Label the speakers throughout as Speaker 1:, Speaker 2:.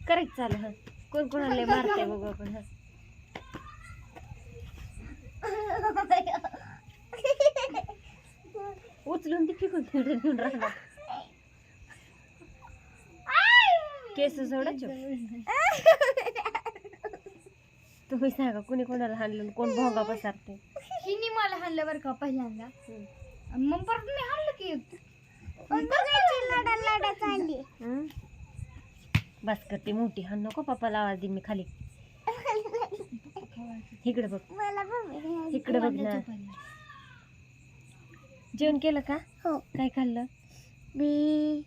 Speaker 1: करायचं चालू. हा कोण कोणाला मारते बघू आपण. हा उचलून ती फेकून घेऊन राहणार. केस सोडायचे. तुम्ही सांगा कुणी कोणाला हाणलं कोण भोंगा पसारते.
Speaker 2: हिनी मला हाणलं बरं का पहिल्यांदा. मग परत मी हाणलं की लढा चालली.
Speaker 1: बस करते मोठी हाण नको पप्पाला आवाज देईन मी खाली. इकडे बघ इकडे बघ ना. जेवण केलं का?
Speaker 2: हो.
Speaker 1: काय खाल्लं?
Speaker 2: मी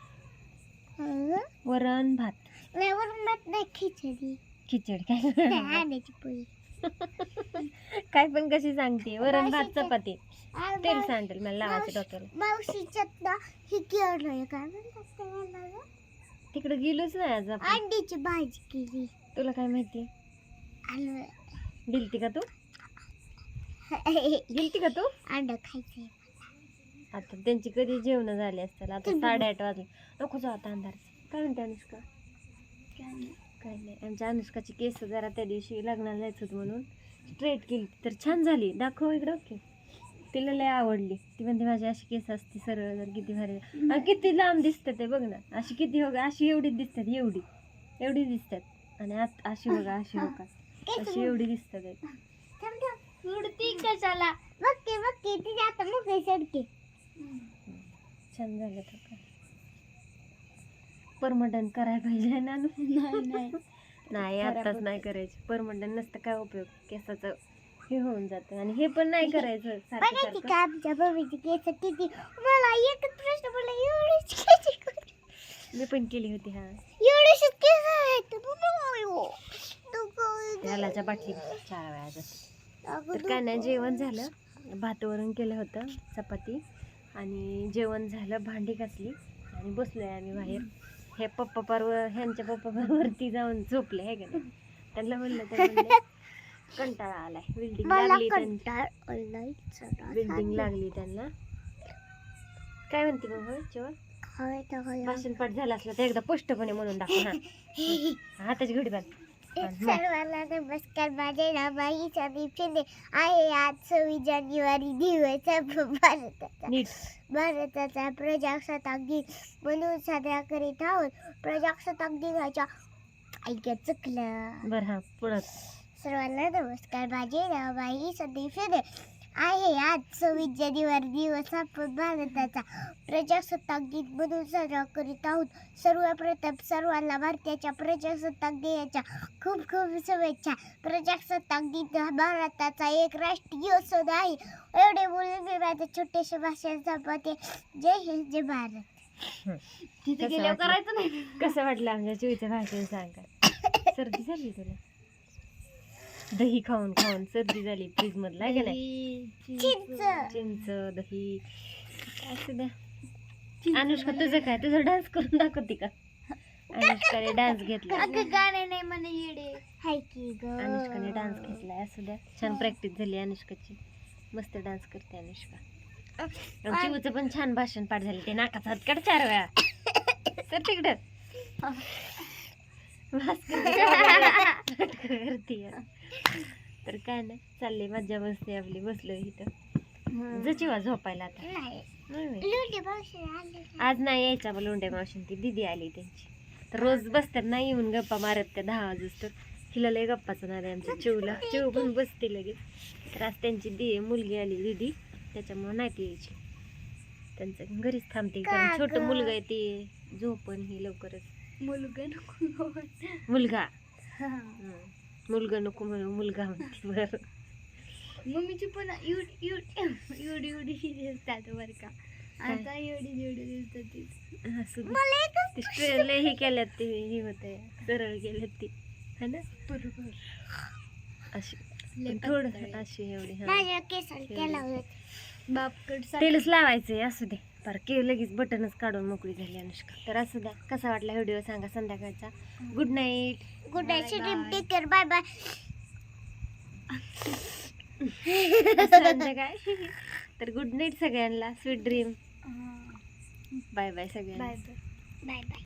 Speaker 1: वरण भात.
Speaker 2: वरण भात नाही, खिचडी.
Speaker 1: खिचडी काय?
Speaker 2: आंब्याची पोळी.
Speaker 1: काय पण कशी सांगते. वरण भात चपाती तेल सांडेल मला लावायचं डोक्याला.
Speaker 2: मावशीच्यात ना ही केलं काय म्हणतात
Speaker 1: तिकडे गेलोच नाही आज आपण.
Speaker 2: अंड्याची भाजी केली.
Speaker 1: तुला काय माहिती? गेलती का तू? गेलती का तू?
Speaker 2: अंड खायचंय.
Speaker 1: आता त्यांची कधी जेवण झाली असतील. आता 8:30 वाजले. नको जाऊ आता अंधार. काय म्हणते अनुष्का? काय नाही. आमच्या अनुष्काची केस जरा त्या दिवशी लग्नाला जायचं होतं म्हणून स्ट्रेट केली तर छान झाली. दाखव इकडं. ओके तिला लय आवडली. ती म्हणते माझी अशी केस असते सरळ जर किती भारी. आणि किती लांब दिसतात ते बघ ना. अशी किती हो अशी एवढीच दिसतात. एवढी दिसतात. आणि अशी बघा अशी बघा अशी एवढी दिसतात.
Speaker 2: उडती कशाला बघते बघते तिथे आता मोकळी सडके.
Speaker 1: छान झालं तर काय परमनंट करायला पाहिजे ना. नाही आताच नाही करायचं. परमनंट नसतं काय उपयोग. केसाचं हे होऊन जातं. आणि हे पण नाही करायचं सारखं
Speaker 2: का आमच्या बबीची केस किती. मला एकच प्रश्न पडला एवढीच केस
Speaker 1: मी पण केली होती. हा
Speaker 2: एवढीच केस आहेत
Speaker 1: त्यालाच्या बाटली 4 वेळा जाते. तर काय नाही जेवण झालं. भात वरण केलं होतं चपाती आणि जेवण झालं. भांडी घासली आणि बसलोय आम्ही बाहेर. हे पप्पा परवर ह्यांच्या पप्पा वरती जाऊन झोपले आहे का नाही. त्यांना म्हणलं तर म्हणले कंटाळा आलाय. बिल्डिंग लागली त्यांना. काय म्हणते मग जेव्हा भाषण पाठ झालं असलं तर एकदा स्पष्टपणे म्हणून दाखव. हा हाताची घडी बांध.
Speaker 2: सर्वांना नमस्कार. माझे नाव बाई शिंदे आहे. आज 26 जानेवारी दिवस भारताचा प्रजासत्ताक दिन म्हणून साजरा करीत आहोत. प्रजासत्ताक दिनाच्या ऐक्या चुकलं
Speaker 1: बरं. हा पुढं.
Speaker 2: सर्वांना नमस्कार. माझे नाव बाई शिंदे आहे. आज 26 जानेवारी दिवस आपण भारताचा प्रजासत्ताक दिन म्हणून साजरा करीत आहोत. सर्वप्रथम सर्वांना भारताच्या प्रजासत्ताक दिनाच्या खूप खूप शुभेच्छा. प्रजासत्ताक दिन हा भारताचा एक राष्ट्रीय सण आहे. एवढे बोलून मी माझं छोटेसे भाषण संपवते. जय हिंद जय भारत.
Speaker 1: तिथे गेल्यावर करायचं नाही. कसं वाटलं आमच्या चुईचं भाषण सांगा. सर्दी झाली तुला? दही खाऊन खाऊन सर्दी झाली. फ्रीज मधला आहे का नाही. चिंच दही असं द्या. अनुष्का तुझं काय? तुझं डान्स करून दाखवते का? अनुष्काने डान्स घेतला.
Speaker 2: गाणे नाही म्हणे येडे हाय की ग.
Speaker 1: अनुष्काने डान्स घेतलाय. असू द्या. छान प्रॅक्टिस झाली अनुष्काची. मस्त डान्स करते अनुष्का. चिवचं पण छान भाषण पाठ झाले. ते नाकाचा हात काढ 4 वेळा. तर तिकडं करते. तर काय नाही चालले मज्जा बसते आपली. बसलो इथं जचिवा झोपायला. आता आज नाही यायचा मग लोंढे मावशी. ती दिदी आली त्यांची. तर रोज बसतात नाही येऊन गप्पा मारत त्या 10 वाजूस. तर हिला लय गप्पाचं नाद आहे आमच्या चिवला. चिव पण बसते लगेच. तर आज त्यांची मुलगी आली दिदी त्याच्यामुळे नाही ती यायची. त्यांचं घरीच थांबते. छोटं मुलगा आहे ते झोपण ही लवकरच.
Speaker 2: मुलगा
Speaker 1: मुलगा नको म्हणू मुलगा म्हणते. बरं
Speaker 2: मम्मीची पण एवढी दिसतात बरं का. आता एवढी दिसतात.
Speaker 1: स्ट्रेल हे केल्यात ते हे होत आहे. सरळ केल्यात ती है ना.
Speaker 2: बरोबर.
Speaker 1: अशी थोडं अशी एवढी.
Speaker 2: माझ्या केसाला
Speaker 1: तेलच लावायचंय. असू दे पर के लगेच बटनच काढून मोकळी झाली अनुष्का. तर असू द्या. कसा वाटला व्हिडिओ सांगा संध्याकाळचा. Good night.
Speaker 2: Good night. Take care. Bye bye.
Speaker 1: काय तर गुड नाईट सगळ्यांना. Sweet dream. बाय बाय सगळ्यांना.
Speaker 2: Bye bye.